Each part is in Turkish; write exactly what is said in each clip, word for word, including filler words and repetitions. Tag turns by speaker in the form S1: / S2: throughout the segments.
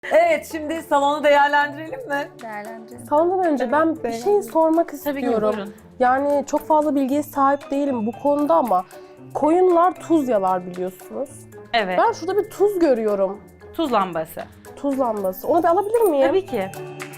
S1: Evet, şimdi salonu değerlendirelim mi?
S2: Değerlendirelim.
S3: Salondan önce ben bir şey sormak
S4: Tabii ki
S3: istiyorum.
S4: buyurun.
S3: Yani çok fazla bilgiye sahip değilim bu konuda ama koyunlar tuz yalar biliyorsunuz.
S4: Evet.
S3: Ben şurada bir tuz görüyorum.
S4: Tuz lambası.
S3: Tuz lambası. Onu bir alabilir miyim?
S4: Tabii ki.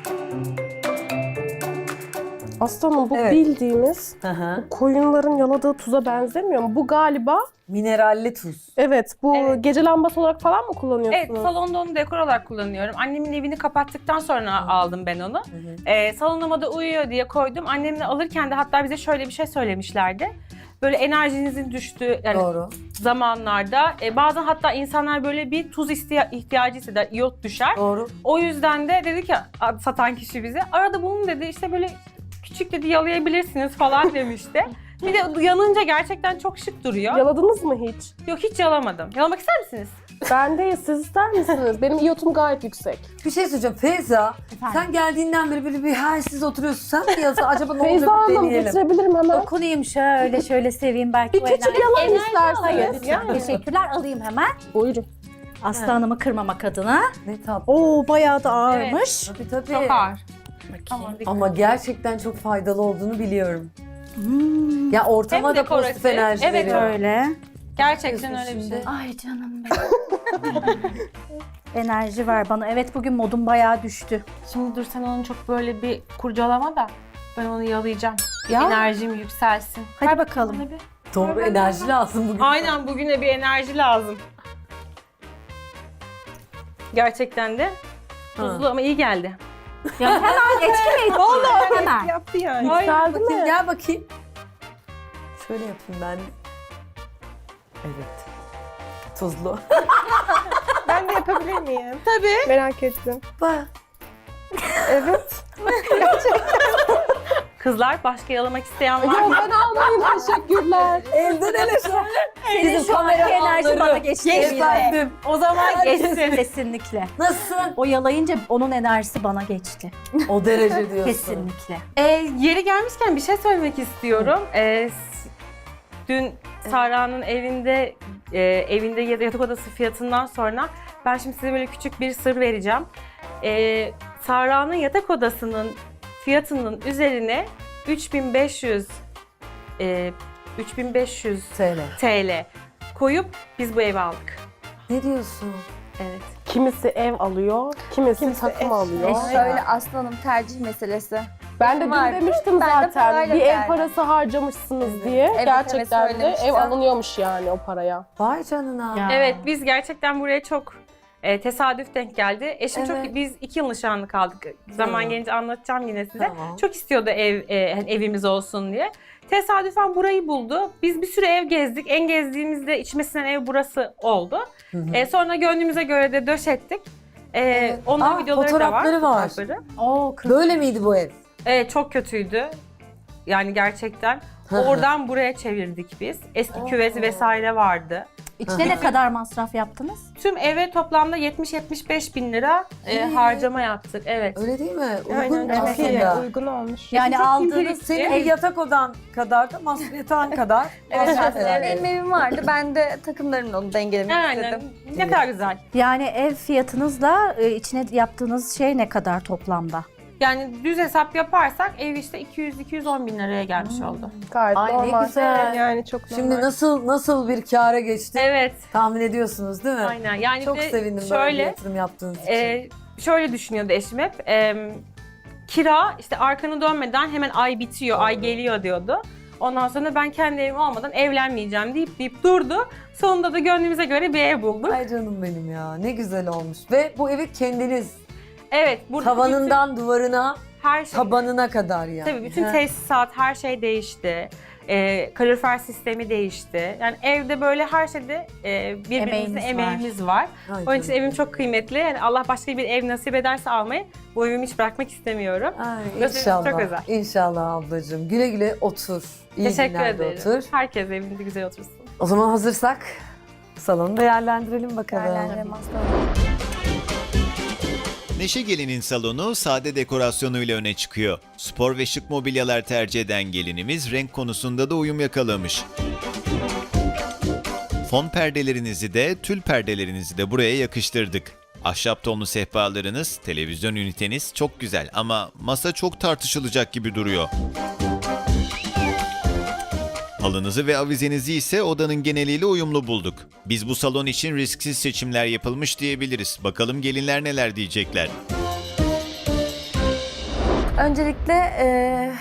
S3: Aslanım bu
S1: Evet.
S3: bildiğimiz
S1: Hı hı.
S3: koyunların yaladığı tuza benzemiyor mu? Bu galiba
S1: Mineralli tuz.
S3: evet bu
S4: Evet.
S3: gece lambası olarak falan mı
S4: Evet,
S3: kullanıyorsunuz?
S4: salonda onu dekor olarak kullanıyorum. Annemin evini kapattıktan sonra aldım ben onu. Ee, salonuma da uyuyor diye koydum. Annemle alırken de hatta bize şöyle bir şey söylemişlerdi. Böyle enerjinizin düştüğü yani
S1: Doğru.
S4: zamanlarda e, bazen hatta insanlar böyle bir tuz istiya- ihtiyacı hisseder, iyot düşer.
S1: Doğru.
S4: O yüzden de dedi ki a- satan kişi bize arada bunu dedi işte böyle küçük dedi yalayabilirsiniz falan demişti. Bir de yanınca gerçekten çok şık duruyor.
S3: Yaladınız mı hiç?
S4: Yok hiç yalamadım. Yalamak ister misiniz?
S3: Ben değil, siz ister misiniz? Benim iyotum gayet yüksek.
S1: Bir şey söyleyeceğim. Feyza, sen geldiğinden beri böyle bir halsiz oturuyorsun. Sen mi yazı? Acaba ne
S3: Feyza
S1: olacak bir
S3: Hanım
S1: deneyelim.
S3: getirebilirim hemen.
S2: Dokunayım şöyle şöyle seveyim belki
S3: Bir
S2: o
S3: küçük
S2: enerji.
S3: yalan
S2: Enerji
S3: isterseniz.
S2: alayım.
S3: Yani.
S2: Teşekkürler alayım hemen.
S3: Buyurun.
S2: Aslı Hanım'ı kırmamak adına.
S1: Ne tatlı.
S2: Oo bayağı da ağırmış.
S1: Tabii tabii.
S4: Çok ağır.
S2: Bakayım.
S1: Ama gerçekten çok faydalı olduğunu biliyorum.
S2: Hmm,
S1: Ya ortama
S4: Hem
S1: da pozitif
S4: dekoratif,
S1: enerji
S4: evet,
S1: veriyor.
S2: öyle.
S4: Gerçekten öyle bir şey.
S1: Şimdi.
S2: Ay canım benim. Enerji var bana. Evet bugün modum bayağı düştü.
S4: Şimdi dur sen onu çok böyle bir kurcalama da ben onu yalayacağım.
S2: Ya.
S4: Enerjim yükselsin.
S2: Hadi bakalım.
S4: Bana bir-
S1: Doğru enerji lazım bugün.
S4: Aynen bugüne bir enerji lazım. Gerçekten de tuzlu ama iyi geldi.
S2: Ya hemen etki mi etti? Hemen.
S4: Yaptı yani.
S3: Yükseldi
S1: Bakayım,
S3: mi?
S1: gel bakayım. Şöyle yapayım ben. Evet. Tuzlu.
S5: Ben de yapabilir miyim?
S4: Tabii.
S5: Merak ettim.
S1: Bak.
S5: Evet.
S4: Kızlar başka yalamak isteyen var
S3: Ya
S4: mı?
S3: ben almayayım, teşekkürler.
S1: Evden ele şu an.
S2: Senin şu anki enerji bana geçti.
S1: Efendim.
S4: O zaman geçsin.
S2: Kesinlikle.
S1: Nasıl?
S2: O yalayınca onun enerjisi bana geçti.
S1: O derece diyorsun.
S2: Kesinlikle.
S4: Ee, yeri gelmişken bir şey söylemek istiyorum. Ee, s- dün Sara'nın evinde e, evinde ya da yatak odası fiyatından sonra ben şimdi size böyle küçük bir sır vereceğim. Ee, Sara'nın yatak odasının fiyatının üzerine üç bin beş yüz e, üç bin beş yüz
S1: Söyle.
S4: T L koyup biz bu evi aldık.
S1: Ne diyorsun?
S4: Evet.
S3: Kimisi ev alıyor, kimisi, takım alıyor.
S6: Şöyle aslanım tercih meselesi.
S3: Ben de dün
S6: Vardı.
S3: demiştim
S6: Ben de
S3: zaten
S6: parayla
S3: bir ev
S6: geldim.
S3: parası harcamışsınız diye.
S6: evet,
S3: Gerçekten de
S6: söylemiştim.
S3: ev alınıyormuş yani o paraya.
S1: Vay canına.
S2: Ya.
S4: Evet biz gerçekten buraya çok e, tesadüf denk geldi. Eşim
S1: Evet.
S4: çok biz iki yıl nişanlı kaldık. Zaman
S1: Hı.
S4: gelince anlatacağım yine size.
S1: Tamam.
S4: Çok istiyordu ev e, hani evimiz olsun diye. Tesadüfen burayı buldu. Biz bir süre ev gezdik. En gezdiğimizde içmesinden ev burası oldu.
S1: Hı hı.
S4: E, sonra gönlümüze göre de döşettik. E, Onun
S1: Aa,
S4: videoları da var.
S1: fotoğrafları var.
S4: fotoğrafları.
S2: Oo, kız.
S1: Böyle miydi bu ev?
S4: E, çok kötüydü. Yani gerçekten.
S1: Hı hı.
S4: Oradan buraya çevirdik biz. Eski
S1: Oo.
S4: küveti vesaire vardı.
S2: İçine ne kadar masraf yaptınız?
S4: Tüm eve toplamda yetmiş yetmiş beş bin lira e,
S1: Ee?
S4: harcama yaptık. Evet.
S1: Öyle değil mi? Uygun
S5: Aynen çok iyi.
S1: aslında.
S5: Uygun olmuş.
S2: Yani
S4: çok
S2: aldığınız
S4: incelikli.
S1: Senin bir yatak odan kadar da masraf yatağın kadar.
S6: Evet
S1: masraf
S6: aslında
S1: herhalde.
S6: benim evim vardı. Ben de takımlarımla onu dengelemek
S4: Aynen.
S6: istedim.
S4: Ne kadar güzel.
S2: yani ev fiyatınızla e, içine yaptığınız şey ne kadar toplamda?
S4: Yani düz hesap yaparsak ev işte iki yüz iki yüz on bin liraya gelmiş oldu.
S3: Gayet
S1: Ay ne
S3: normal.
S1: güzel.
S5: Yani çok normal.
S1: Şimdi nasıl nasıl bir kâra geçti
S4: Evet.
S1: tahmin ediyorsunuz değil mi?
S4: Aynen. Yani
S1: Çok
S4: bir de
S1: sevindim böyle bir
S4: şöyle,
S1: yatırım yaptığınız için.
S4: e, şöyle düşünüyordu eşim hep. E, kira işte arkanı dönmeden hemen ay bitiyor, ay geliyor diyordu. Ondan sonra ben kendi evim olmadan evlenmeyeceğim deyip deyip durdu. Sonunda da gönlümüze göre bir ev bulduk.
S1: Ay canım benim ya ne güzel olmuş. Ve bu evi kendiniz
S4: Evet. Burada
S1: tavanından duvarına,
S4: bütün her şey.
S1: tabanına kadar yani.
S4: Tabii bütün
S1: Ha.
S4: tesisat, her şey değişti. Ee, kalorifer sistemi değişti. Yani evde böyle her şeyde e, birbirimizin
S2: Emeğiniz
S4: emeğimiz var.
S1: Ay
S4: Onun için
S1: canım.
S4: evim çok kıymetli. Yani Allah başka bir ev nasip ederse almayı bu evimi hiç bırakmak istemiyorum.
S1: Ay,
S4: Nasıl-
S1: inşallah.
S4: çok özel.
S1: İnşallah ablacığım. Güle güle otur. İyi
S4: Teşekkür
S1: günlerde
S4: ederim.
S1: otur.
S4: Herkes evinde güzel otursun.
S1: O zaman hazırsak salonu değerlendirelim bakalım.
S6: Değerlendirem aslanım.
S7: Neşe Gelin'in salonu sade dekorasyonuyla öne çıkıyor. Spor ve şık mobilyalar tercih eden gelinimiz renk konusunda da uyum yakalamış. Fon perdelerinizi de tül perdelerinizi de buraya yakıştırdık. Ahşap tonlu sehpalarınız, televizyon üniteniz çok güzel ama masa çok tartışılacak gibi duruyor. Halınızı ve avizenizi ise odanın geneliyle uyumlu bulduk. Biz bu salon için risksiz seçimler yapılmış diyebiliriz. Bakalım gelinler neler diyecekler.
S6: Öncelikle e,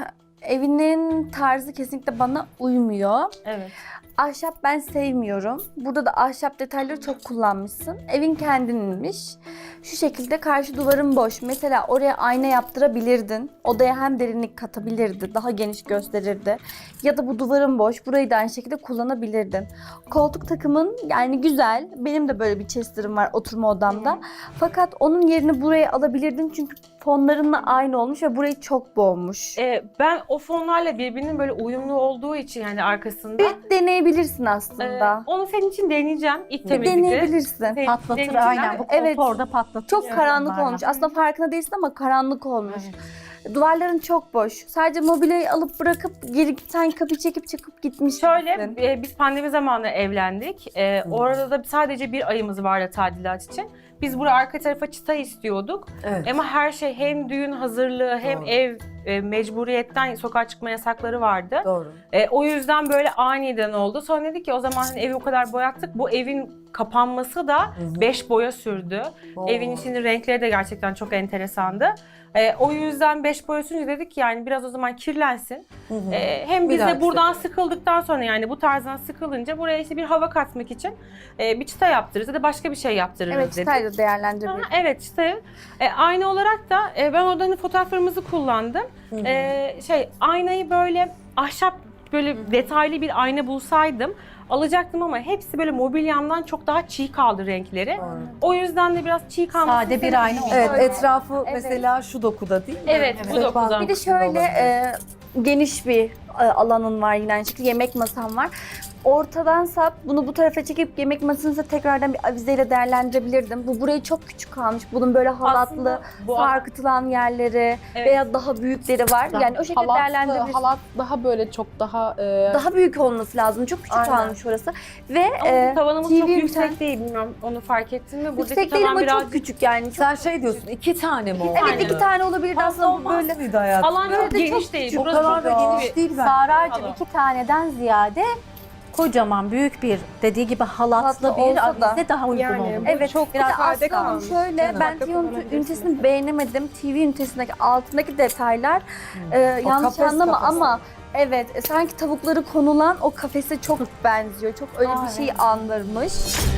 S6: evinin tarzı kesinlikle bana uymuyor.
S4: Evet.
S6: Ahşap ben sevmiyorum. Burada da ahşap detayları çok kullanmışsın. Evin kendininmiş. Şu şekilde karşı duvarın boş. Mesela oraya ayna yaptırabilirdin. Odaya hem derinlik katabilirdi. Daha geniş gösterirdi. Ya da bu duvarın boş. Burayı da aynı şekilde kullanabilirdin. Koltuk takımın yani güzel. Benim de böyle bir chester'ım var oturma odamda. Fakat onun yerini buraya alabilirdin. Çünkü fonlarınla aynı olmuş ve burayı çok boğmuş.
S4: Ee, ben o fonlarla birbirinin böyle uyumlu olduğu için yani arkasında.
S6: Bir deneyebilirsin
S4: Ee,
S6: aslında.
S4: onu senin için deneyeceğim ilk
S6: Bir
S4: temizlikte.
S6: deneyebilirsin.
S4: Sen-
S2: Patlatır
S4: deneyeceğim.
S2: aynen. Bu
S6: Evet.
S2: koltuğu orada patlatır.
S6: Çok karanlık
S2: Bunlarla.
S6: olmuş. Aslında farkında değilsin ama karanlık olmuş. Duvarların çok boş. Sadece mobilyayı alıp bırakıp geri sen kapıyı çekip çıkıp gitmiş
S4: Şöyle,
S6: gibisin.
S4: e, biz pandemi zamanı evlendik. E, orada da sadece bir ayımız vardı tadilat için. Biz buraya arka tarafa çıta istiyorduk.
S1: Evet.
S4: Ama her şey hem düğün hazırlığı hem
S1: Doğru.
S4: ev e, mecburiyetten sokağa çıkma yasakları vardı.
S1: Doğru.
S4: E, o yüzden böyle aniden oldu. Sonra dedik ki o zaman hani evi o kadar boyattık. Bu evin kapanması da beş boya sürdü.
S1: Oo.
S4: Evin içinin renkleri de gerçekten çok enteresandı. E, o yüzden beş boya sürünce dedik ki yani biraz o zaman kirlensin.
S1: Hı hı.
S4: E, hem
S1: Bir
S4: biz de
S1: dahaki
S4: buradan
S1: sefere.
S4: sıkıldıktan sonra yani bu tarzdan sıkılınca buraya işte bir hava katmak için e, bir çıta yaptırırız ya da başka bir şey yaptırırız
S6: Evet,
S4: dedik.
S6: çıtayla
S4: Ha,
S6: değerlendirebilirsin.
S4: evet işte e, aynı olarak da e, ben oradan fotoğraflarımızı kullandım. E, şey aynayı böyle ahşap böyle detaylı bir ayna bulsaydım alacaktım ama hepsi böyle mobilyamdan çok daha çiğ kaldı renkleri.
S1: Doğru.
S4: O yüzden de biraz çiğ kalması.
S2: Sade bir ayna oldu.
S1: Evet,
S6: Öyle.
S1: etrafı
S6: Evet.
S1: mesela şu dokuda değil mi?
S4: Evet, bu
S1: Sehpa
S4: dokudan.
S6: Bir de
S1: dokusunda
S6: şöyle
S1: olabilir.
S6: e, geniş bir e, alanın var yine aynı şekilde. Yemek masam var. Ortadan sap bunu bu tarafa çekip yemek masanıza tekrardan bir avizeyle değerlendirebilirdim. Bu burayı çok küçük kalmış. Bunun böyle halatlı,
S4: Aslında bu
S6: sarkıtılan yerleri
S4: Evet.
S6: veya daha büyükleri var. Yani o şekilde
S3: Halat,
S6: değerlendirebilirsin.
S3: halat daha böyle çok daha e,
S6: Daha büyük olması lazım. Çok küçük
S3: Aynen.
S6: kalmış orası. Ve
S4: Ama
S6: e,
S4: tavanımız
S6: T V
S4: çok
S6: üniten-
S4: yüksek değil bilmiyorum onu fark ettin mi? Buradaki
S6: yüksek değil
S4: tavan
S6: ama
S4: biraz
S6: çok küçük yani. Çok,
S1: Sen şey diyorsun, iki tane mi oldu?
S6: evet iki tane olabilirdi
S1: Fazla
S6: aslında
S1: olmaz
S6: böyle.
S1: mıydı hayatım?
S4: alan
S6: Böyle
S4: çok
S6: de
S4: geniş
S6: çok
S4: değil.
S6: küçük.
S1: O
S4: Burası
S1: kadar
S4: çok
S1: da
S4: büyük.
S1: geniş değil ben.
S2: Saracığım
S4: Salon.
S2: iki taneden ziyade kocaman büyük bir dediği gibi halatlı
S6: Halatlı
S2: bir
S6: olsa da.
S2: avize daha uygun
S5: Yani
S2: olur.
S5: bu
S6: Evet,
S5: çok
S6: biraz
S5: sade
S6: sade
S5: kalmış.
S6: Şöyle
S1: Canım.
S6: ben
S5: Arka
S6: T V
S5: kullanabilirsiniz.
S6: ünitesini beğenemedim. T V ünitesindeki altındaki detaylar e,
S1: O
S6: yanlış
S1: kafes
S6: anlama
S1: kafası.
S6: ama evet e, sanki tavukları konulan o kafese çok benziyor. Çok öyle
S2: Aa,
S6: bir şey
S2: evet.
S6: andırmış.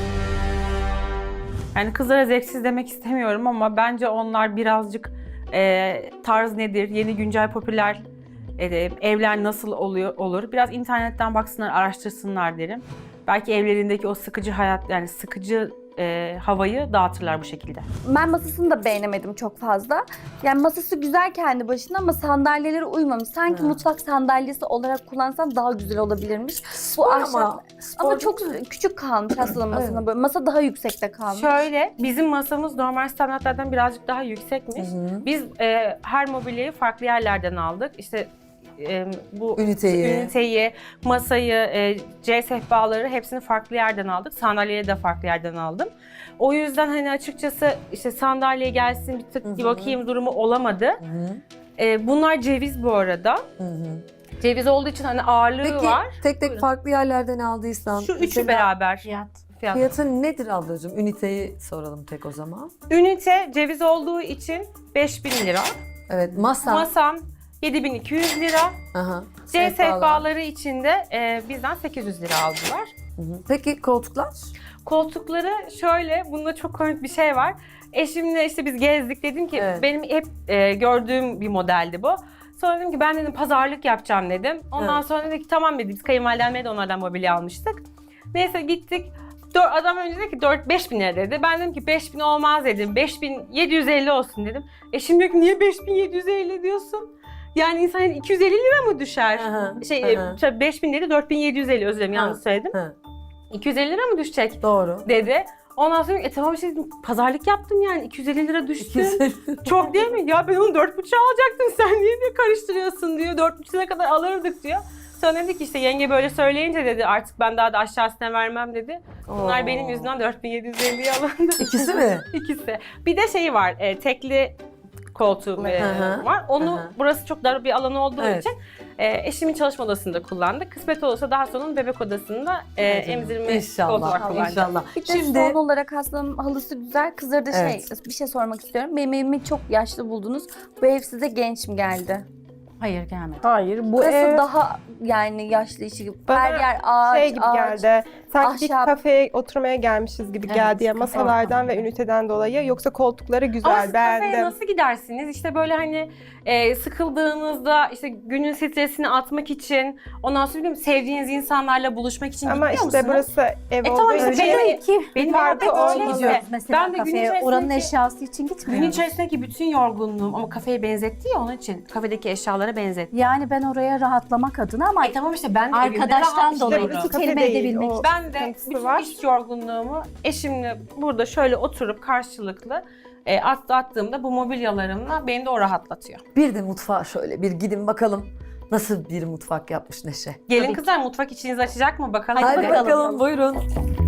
S4: Yani kızlara zevksiz demek istemiyorum ama bence onlar birazcık e, tarz nedir, yeni güncel popüler e, evler nasıl oluyor olur. Biraz internetten baksınlar, araştırsınlar derim. Belki evlerindeki o sıkıcı hayat yani sıkıcı e, havayı dağıtırlar bu şekilde.
S6: Ben masasını da beğenemedim çok fazla. Yani masası güzel kendi başına ama sandalyeleri uymamış. Sanki
S1: Ha.
S6: mutfak sandalyesi olarak kullansan daha güzel olabilirmiş.
S1: Spor
S6: ahşap-
S1: ama, spor
S6: Ama çok
S1: değil mi?
S6: küçük kalmış aslında masasına böyle. Masa daha yüksekte kalmış.
S4: Şöyle, bizim masamız normal standartlardan birazcık daha yüksekmiş.
S1: Hı hı.
S4: Biz e, her mobilyayı farklı yerlerden aldık. İşte e, bu
S1: Üniteyi.
S4: üniteyi, masayı, e, C sehpaları hepsini farklı yerden aldık. Sandalyeyi de farklı yerden aldım. O yüzden hani açıkçası işte sandalye gelsin bir tık
S1: Hı hı.
S4: bir bakayım durumu olamadı.
S1: Hı hı,
S4: E, bunlar ceviz bu arada.
S1: hı hı.
S4: Ceviz olduğu için hani ağırlığı
S1: Peki
S4: var.
S1: tek tek
S4: Buyurun.
S1: farklı yerlerden aldıysan
S4: Şu üçü
S1: mesela
S4: beraber
S2: Fiyat.
S4: fiyat.
S1: fiyatı nedir ablacığım? Üniteyi soralım tek o zaman.
S4: Ünite ceviz olduğu için beş bin lira.
S1: Evet, masa.
S4: Masam yedi bin iki yüz lira.
S1: Aha.
S4: C
S1: Sehpalar.
S4: sehpaları için de e, bizden sekiz yüz lira aldılar.
S1: Hı hı. Peki koltuklar?
S4: Koltukları şöyle, bunda çok komik bir şey var. Eşimle işte biz gezdik, dedim ki
S1: Evet.
S4: benim hep e, gördüğüm bir modeldi bu. Sonra dedim ki ben dedim pazarlık yapacağım dedim. Ondan
S1: Evet.
S4: sonra dedi ki tamam dedi, biz kayınvalidemle de onlardan mobilya almıştık. Neyse gittik. Dör, adam önce dedi ki dört beş bin lira dedi. Ben dedim ki beş bin olmaz dedim. beş bin yedi yüz elli olsun dedim. Eşim diyor ki niye beş bin yedi yüz elli diyorsun? Yani insan iki yüz elli lira mı düşer?
S1: Aha,
S4: Şey
S1: aha.
S4: e, beş bin dedi, dört bin yedi yüz elli, özür dilerim yanlış
S1: Ha.
S4: söyledim.
S1: Ha,
S4: iki yüz elli lira mı düşecek
S1: doğru.
S4: dedi. Ondan sonra e tamam işte dedim, pazarlık yaptım yani iki yüz elli lira düştü. Çok değil mi? Ya ben onu dört buçuğa alacaktım, sen niye diye karıştırıyorsun diyor. Dört buçuğa kadar alırdık diyor. Sonra dedi ki işte yenge böyle söyleyince dedi artık ben daha da aşağısına vermem dedi. Bunlar
S1: Oo.
S4: benim yüzümden dört bin yedi yüz elliye alındı.
S1: İkisi mi?
S4: İkisi. Bir de şeyi var, e, tekli koltuğu e,
S1: Hı hı.
S4: var. Onu
S1: Hı hı.
S4: burası çok dar bir alan olduğu
S1: Evet.
S4: için e, eşimin çalışma odasında kullandık. Kısmet olursa daha sonra onun bebek odasında e, emzirme koltuğu
S1: İnşallah.
S4: olarak kullanacağız.
S1: İnşallah.
S6: Bir de
S1: Şimdi
S6: son olarak hastanın halısı güzel. Kızlara da
S1: Evet.
S6: şey, bir şey sormak istiyorum. Benim evimi çok yaşlı buldunuz. Bu ev size genç mi geldi?
S2: Hayır gelmedi.
S3: Hayır bu
S6: Burası
S3: ev
S6: daha yani yaşlı işi gibi.
S5: Bana
S6: Her yer ağaç,
S5: şey gibi
S6: ağaç.
S5: geldi. Sanki bir
S6: ahşap.
S5: kafeye oturmaya gelmişiz gibi
S2: Evet,
S5: geldi ya
S2: kafe
S5: masalardan ve
S2: ortamı.
S5: üniteden dolayı. Yoksa koltukları
S4: Ama
S5: güzel,
S4: siz kafeye
S5: beğendim.
S4: nasıl gidersiniz? İşte böyle hani e, sıkıldığınızda işte günün stresini atmak için, ondan sonra bilmiyorum, sevdiğiniz insanlarla buluşmak için
S5: Ama
S4: gitmiyor
S5: işte
S4: musunuz?
S5: burası ev
S4: E
S5: olduğu
S4: tamam işte
S5: için
S4: benim,
S2: ki
S4: benim
S5: farkı
S4: evde
S5: olmaz.
S4: öyle.
S2: gidiyoruz mesela
S4: Ben de gün
S2: kafeye.
S4: içerisindeki-
S2: Oranın eşyası için gitmiyoruz.
S4: Gün içerisindeki bütün yorgunluğum ama kafeye benzetti ya onun için. Kafedeki eşyalara benzetti.
S2: Yani ben oraya rahatlamak adına ama
S4: Ay tamam işte ben de evimde
S2: arkadaştan
S4: rahat
S2: dolayı
S4: işliyorum.
S2: iki
S5: Kafe
S2: kelime
S5: değil,
S2: edebilmek
S5: o-
S2: için.
S4: Ben de
S5: sıkıntısı
S4: bütün
S5: var.
S4: iş yorgunluğumu eşimle burada şöyle oturup karşılıklı e, at, attığımda bu mobilyalarımla beni de o rahatlatıyor.
S1: bir de mutfağa şöyle bir gidin bakalım nasıl bir mutfak yapmış Neşe.
S4: Gelin kızlar mutfak içinizi açacak mı bakalım.
S1: Hadi
S2: bakalım.
S1: bakalım buyurun.